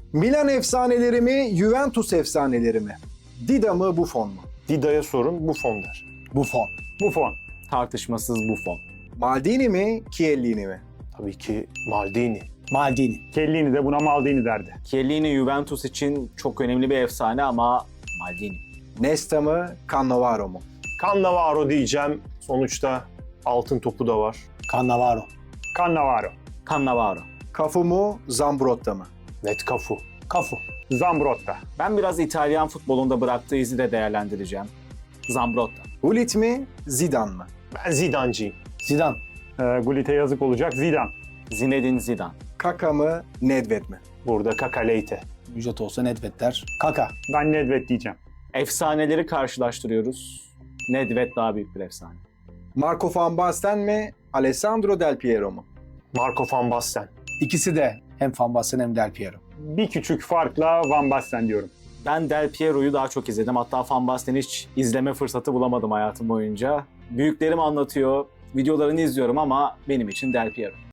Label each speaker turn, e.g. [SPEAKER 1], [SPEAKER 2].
[SPEAKER 1] Milan efsaneleri mi, Juventus efsaneleri mi? Dida mı, Buffon mu?
[SPEAKER 2] Dida'ya sorun, Buffon der.
[SPEAKER 3] Buffon.
[SPEAKER 4] Buffon. Tartışmasız Buffon.
[SPEAKER 1] Maldini mi, Chiellini mi?
[SPEAKER 2] Tabii ki Maldini.
[SPEAKER 3] Maldini.
[SPEAKER 4] Chiellini de buna Maldini derdi.
[SPEAKER 5] Chiellini Juventus için çok önemli bir efsane ama Maldini.
[SPEAKER 1] Nesta mı, Cannavaro mu?
[SPEAKER 2] Cannavaro diyeceğim. Sonuçta altın topu da var.
[SPEAKER 3] Cannavaro.
[SPEAKER 4] Cannavaro.
[SPEAKER 5] Cannavaro.
[SPEAKER 1] Cafu mu, Zambrotta mı?
[SPEAKER 2] Net Cafu.
[SPEAKER 3] Cafu.
[SPEAKER 4] Zambrotta.
[SPEAKER 5] Ben biraz İtalyan futbolunda bıraktığı izi de değerlendireceğim. Zambrotta.
[SPEAKER 1] Gullit mi, Zidane mı?
[SPEAKER 2] Ben Zidane'ciyim.
[SPEAKER 3] Zidane.
[SPEAKER 4] Gullit'e yazık olacak. Zidane.
[SPEAKER 5] Zinedine Zidane.
[SPEAKER 1] Kaka mı, Nedved mi?
[SPEAKER 2] Burada Kaka Leite.
[SPEAKER 3] Ücret olsa Nedved der. Kaka.
[SPEAKER 4] Ben Nedved diyeceğim.
[SPEAKER 5] Efsaneleri karşılaştırıyoruz. Nedved daha büyük bir efsane.
[SPEAKER 1] Marco van Basten mi, Alessandro Del Piero mu?
[SPEAKER 2] Marco van Basten.
[SPEAKER 3] İkisi de hem Van Basten hem Del Piero.
[SPEAKER 4] Bir küçük farkla Van Basten diyorum.
[SPEAKER 5] Ben Del Piero'yu daha çok izledim. Hatta Van Basten'i hiç izleme fırsatı bulamadım hayatım boyunca. Büyüklerim anlatıyor, videolarını izliyorum ama benim için Del Piero.